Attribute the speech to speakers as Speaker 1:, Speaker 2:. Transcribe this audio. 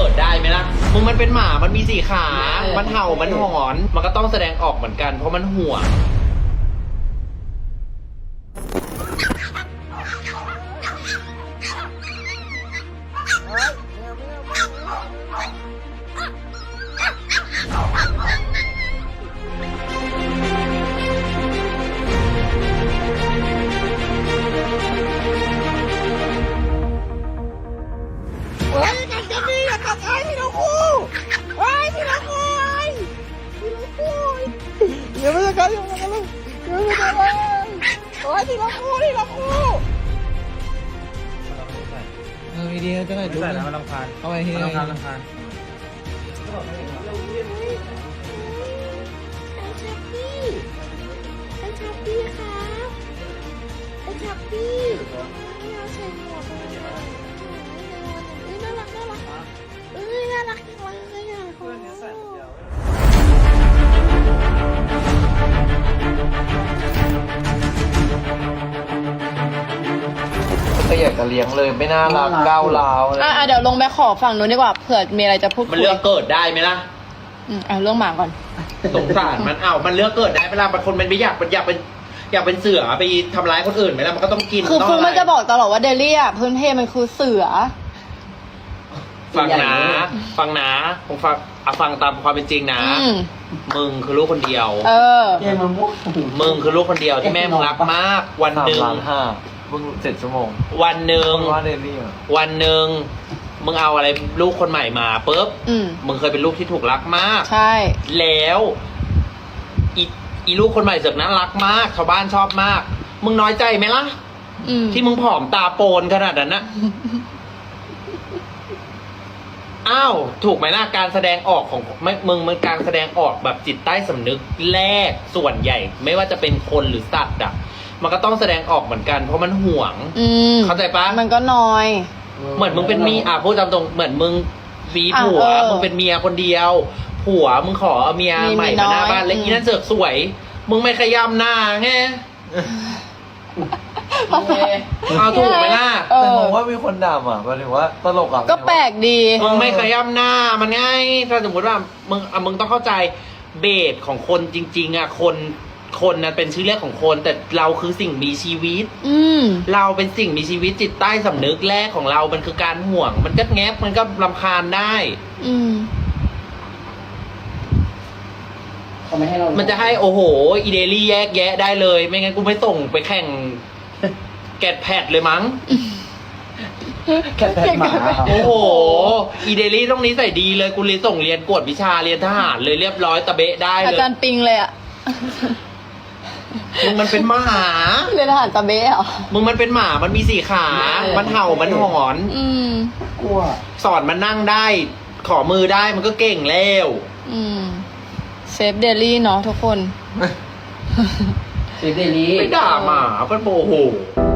Speaker 1: ดได้ไหมล่ะมึงมันเป็นหมามันมี4 ขา มันเห่ามันหอนมันก็ต้องแสดงออกเหมือนกันเพราะมันห่วง
Speaker 2: อย่าไม่จะกันอย่าไม่จะกันอย่าไม่จะกันโอ้ยทีละคู่ดีๆจะไหนดู
Speaker 3: ใส่
Speaker 2: นะ
Speaker 3: แล้วมันรำคาญ
Speaker 2: เอาไปที
Speaker 3: มัน
Speaker 2: ละ
Speaker 3: รำคาญ
Speaker 4: ไอ้ชัปปี้ครับไอ้ชัปปี้เราใส่หมวกเลยน่ารักน่ารักน่ารักจังเลยอ่ะโอ้
Speaker 2: ก็อยากจะเลี้ยงเลยไม่น่ารักก้าวร้าวเลย
Speaker 5: เดี๋ยวลงไปขอฝั่งนู้นดีกว่าเผื่อมีอะไรจะพูด
Speaker 1: มันเลือกเกิดได้ไหมล่ะ
Speaker 5: เรื่องหมาก่อน
Speaker 1: สงสารมันมันเลือกเกิดได้เวลาบางคนมันไม่อยากเป็นเสือไปทำร้ายคนอื่นไหมล่ะมันก็ต้องกิน
Speaker 5: คือ
Speaker 1: ต้อง
Speaker 5: คุณ
Speaker 1: อะไร
Speaker 5: มันจะบอกตลอดว่าเดลี่อ่ะพื้นเพมันคือเสือ
Speaker 1: ฟังนะฟังตามความเป็นจริงนะ มึงคือลูกคนเดียว มึงคือลูกคนเดียวที่แม่มึงรักมาก วันหนึ่ง
Speaker 2: 3.5 มึง7 ชั่วโมง
Speaker 1: วันหนึ่ง
Speaker 2: ว่าเดลี่อ่ะ
Speaker 1: วันหนึ่งมึงเอาอะไรลูกคนใหม่มาปุ๊บ
Speaker 5: อืม
Speaker 1: มึงเคยเป็นลูกที่ถูกรักมาก
Speaker 5: ใช่
Speaker 1: แล้วอีลูกคนใหม่เสือกน่ารักมากชาวบ้านชอบมาก มึงน้อยใจไหมล่ะ ที่มึงผอมตาโปนขนาดนั้นนะ อ้าวถูกไหมล่ะการแสดงออกของมึงการแสดงออกแบบจิตใต้สำนึกแรกส่วนใหญ่ ไม่ว่าจะเป็นคนหรือสัตว์อ่ะมันก็ต้องแสดงออกเหมือนกันเพราะมันห่วงเข้าใจปะ
Speaker 5: มันก็น้อย
Speaker 1: เหมือนมึงเป็นพูดตามตรงเหมือนมึงมีผัวมึงเป็นเมียคนเดียว ผัวมึงขอเอาเมียใหม่มาหน้าบ้านแล้วอีนั่นเสือกสวย มึงไม่ขย้ำหน้าไงเอาถูกไหมล่ะ
Speaker 2: แต่มองว่ามีคนด่าอ่ะหมายถึงว่าตลกอ่ะ
Speaker 5: ก็แปลกดี
Speaker 1: มึงไม่ขย้ำหน้ามันง่ายถ้าสมมติว่ามึงต้องเข้าใจเบสของคนจริงๆอ่ะคนนั้นเป็นชื่อเรียกของคนแต่เราคือสิ่งมีชีวิตเราเป็นสิ่งมีชีวิตจิตใต้สำนึกแรกของเรามันคือการห่วง มันก็แงบมันก็รำคาญได้ มันจะให้โอ้โหอีเดลี่แยกแยะได้เลย ไม่งั้นกูไม่ส่งไปแข่งแกดแพดเลยมั้ง
Speaker 2: แค่แพทหมา
Speaker 1: โอ้โหอีเดลี่ต้องนี้ใส่ดีเลยกูเรียนส่งเรียนกวดวิชาเรียนทหารเลยเรียบร้อยตะเบะได้
Speaker 5: อา
Speaker 1: เลย
Speaker 5: จารย์ปิงเลยอ่ะ
Speaker 1: มึงมันเป็นหมา
Speaker 5: เรียนทหารตะเบ้เหรอ
Speaker 1: มึงมันเป็นหมามันมี4 ขา มันเห่ามันหอน
Speaker 2: กลัว
Speaker 1: สอนมันนั่งได้ ขอมือได้มันก็เก่งแล้ว
Speaker 5: เซฟเดลี่เนาะทุกคน
Speaker 2: เดลี่
Speaker 1: ไม่ด่าหมาเป็นโมโห